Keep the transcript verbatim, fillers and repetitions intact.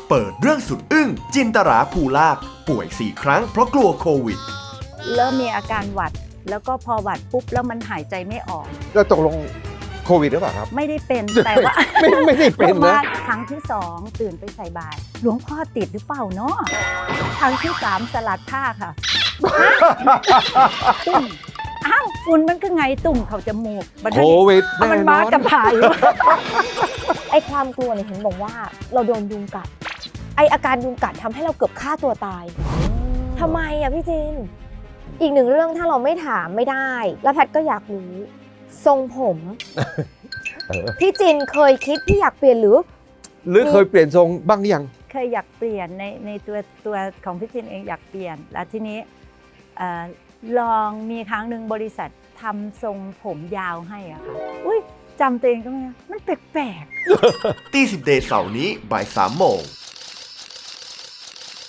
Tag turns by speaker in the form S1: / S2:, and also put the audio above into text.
S1: เปิดเรื่องสุดอึ้งจินตราภูลากป่วยสี่ครั้งเพราะกลัวโควิด
S2: เริ่มมีอาการหวัดแล้วก็พอหวัดปุ๊บแล้วมันหายใจไม่ออก
S3: แล้วตกลงโควิดหรือเปล่าครับ
S2: ไม่ได้เป็นแต่ว่า
S3: ไม่ไม่ได้เป็นนะ
S2: ว่าครั้งที่สองตื่นไปใส่บาตรหลวงพ่อติดหรือเปล่าเนาะครั้งที่สามสลัดผ้าค่ะ ตุ่มอ้าวฝุ่นมันก็ไงตุ่มเขาจมูกมัน
S3: โควิด
S2: เอา
S3: แน่
S2: มัน
S3: น
S2: มา
S3: อน
S2: จะผ่าน
S4: ไอความกลัวเนี่ยเห็นบอกว่าเราโดนยุงกัด ไออาการยุงกัดทำให้เราเกือบฆ่าตัวตายทำไมอะพี่จิน อีกหนึ่งเรื่องถ้าเราไม่ถามไม่ได้ แล้วแพทย์ก็อยากรู้ ทรงผม
S3: เออ
S4: พี่จินเคยคิดที่อยากเปลี่ยนหรือ
S3: หรือเคยเปลี่ยนทรงบ้างยัง
S2: เคยอยากเปลี่ยนในในตัวตัวของพี่จินเองอยากเปลี่ยนแล้วทีนี้เอ่อลองมีครั้งหนึ่งบริษัททำทรงผมยาวให้อะค่ะอุ้ยจำตัวเองก็ไม่ได้มันแปลกๆ
S1: ตีสิบเดย์เสาร์นี้บ่ายสามโมง